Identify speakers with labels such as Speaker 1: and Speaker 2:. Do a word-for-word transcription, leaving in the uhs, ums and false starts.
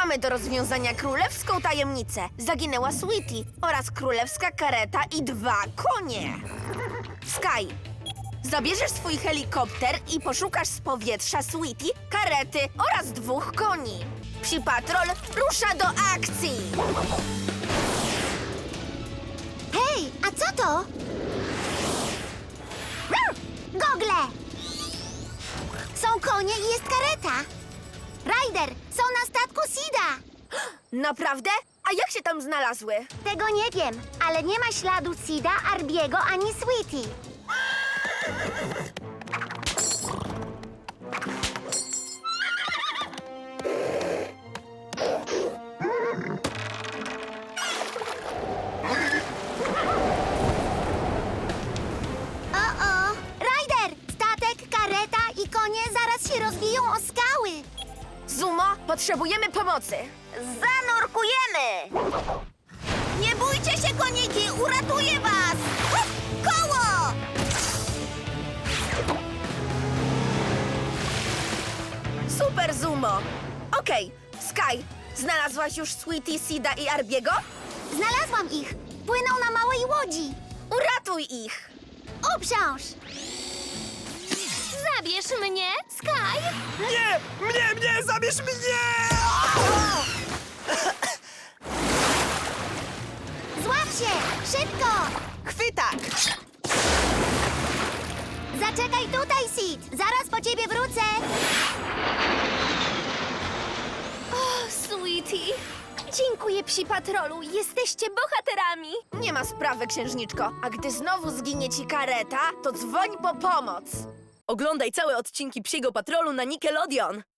Speaker 1: Mamy do rozwiązania królewską tajemnicę. Zaginęła Sweetie oraz królewska kareta i dwa konie. Sky, zabierzesz swój helikopter i poszukasz z powietrza Sweetie, karety oraz dwóch koni. Psi Patrol rusza do akcji!
Speaker 2: Hej, a co to? Gogle! Są konie i jest kareta. Ryder, są na statku Sida.
Speaker 1: Naprawdę? A jak się tam znalazły?
Speaker 2: Tego nie wiem, ale nie ma śladu Sida, Arbiego ani Sweetie. O-o! Ryder, statek, kareta i konie zaraz się rozbiją o skały.
Speaker 1: Zumo, potrzebujemy pomocy.
Speaker 2: Zanurkujemy! Nie bójcie się, koniki! Uratuję was! Koło!
Speaker 1: Super, Zumo. Okej, Sky, znalazłaś już Sweetie, Sida i Arbiego?
Speaker 2: Znalazłam ich! Płyną na małej łodzi!
Speaker 1: Uratuj ich!
Speaker 2: Uprząż!
Speaker 3: Zabierz mnie, Sky!
Speaker 4: Nie! Mnie, mnie! Zabierz mnie!
Speaker 2: Złap się! Szybko!
Speaker 1: Chwytak!
Speaker 2: Zaczekaj tutaj, Sid! Zaraz po ciebie wrócę!
Speaker 3: O, Sweetie! Dziękuję, Psi Patrolu! Jesteście bohaterami!
Speaker 1: Nie ma sprawy, księżniczko. A gdy znowu zginie ci kareta, to dzwoń po pomoc.
Speaker 5: Oglądaj całe odcinki Psiego Patrolu na Nickelodeon.